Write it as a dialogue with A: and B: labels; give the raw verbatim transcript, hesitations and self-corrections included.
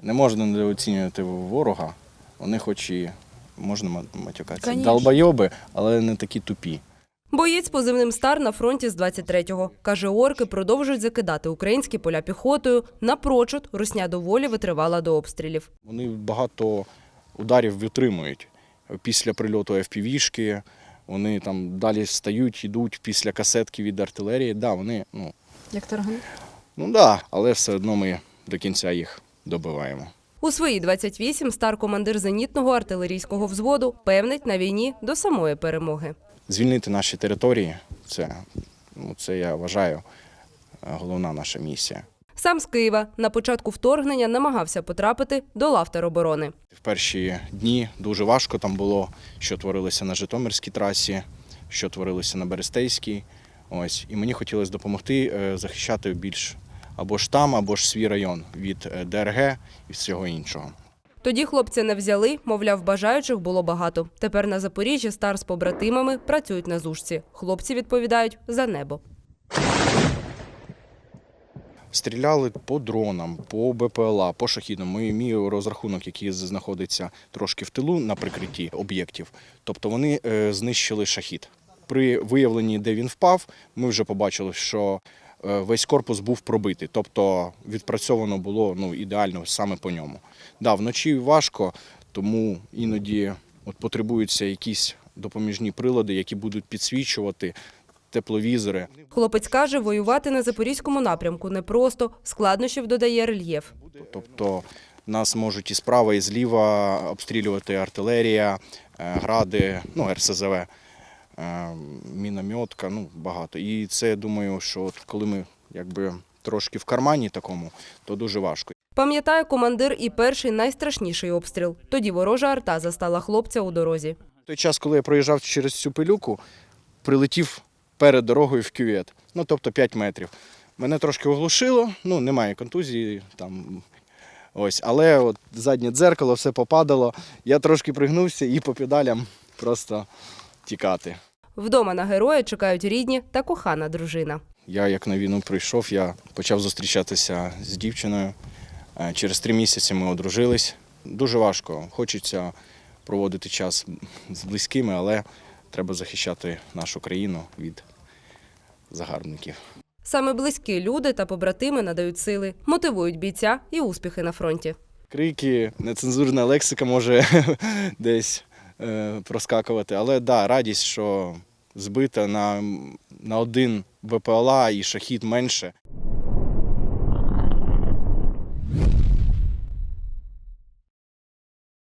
A: Не можна недооцінювати ворога, вони хоч і, можна матюкатися,
B: Конечно.
A: долбойоби, але не такі тупі.
C: Боєць позивним «Стар» на фронті з двадцять третього. Каже, орки продовжують закидати українські поля піхотою. Напрочуд, русня доволі витривала до обстрілів.
A: Вони багато ударів витримують. Після прильоту еф пі ві-шки, вони там далі стають, йдуть після касетки від артилерії. Да, вони, ну,
B: Як тарган?
A: ну да, але все одно ми до кінця їх добиваємо.
C: У свої двадцять вісім «Стар» командир зенітного артилерійського взводу певнить на війні до самої перемоги.
A: Звільнити наші території – це, ну, це, я вважаю, головна наша місія.
C: Сам з Києва на початку вторгнення намагався потрапити до лав тероборони.
A: В перші дні дуже важко там було, що творилося на Житомирській трасі, що творилося на Берестейській. Ось. І мені хотілося допомогти захищати більш або ж там, або ж свій район від де ер ге і всього іншого.
C: Тоді хлопці не взяли, мовляв, бажаючих було багато. Тепер на Запоріжжі «Стар» з побратимами працюють на зушці. Хлопці відповідають за небо.
A: Стріляли по дронам, по бе пе ел а, по шахідам. Мій, мій розрахунок, який знаходиться трошки в тилу на прикритті об'єктів, тобто вони е, знищили шахід. При виявленні, де він впав, ми вже побачили, що е, весь корпус був пробитий, тобто відпрацьовано було, ну, ідеально саме по ньому. Да, вночі важко, тому іноді от потребуються якісь допоміжні прилади, які будуть підсвічувати, тепловізори.
C: Хлопець каже, воювати на Запорізькому напрямку непросто, складнощів додає рельєф.
A: Тобто нас можуть і справа, і зліва обстрілювати артилерія, гради, ну, ер ес зе ве, мінометка, ну, багато. І це, я думаю, що от коли ми якби трошки в кармані такому, то дуже важко.
C: Пам'ятає командир і перший найстрашніший обстріл. Тоді ворожа арта застала хлопця у дорозі.
A: В той час, коли я проїжджав через цю пилюку, прилетів перед дорогою в кювет, ну, тобто п'ять метрів. Мене трошки оглушило, ну, немає контузії, там, ось, але от заднє дзеркало, все попадало, я трошки пригнувся і по педалям просто тікати.
C: Вдома на героя чекають рідні та кохана дружина.
A: Я, як на війну прийшов, я почав зустрічатися з дівчиною. Через три місяці ми одружились. Дуже важко, хочеться проводити час з близькими, але треба захищати нашу країну від загарбників.
C: Саме близькі люди та побратими надають сили, мотивують бійця і успіхи на фронті.
A: Крики, нецензурна лексика може десь е, проскакувати, але да, радість, що збита на, на один бе пе ел а і шахід менше.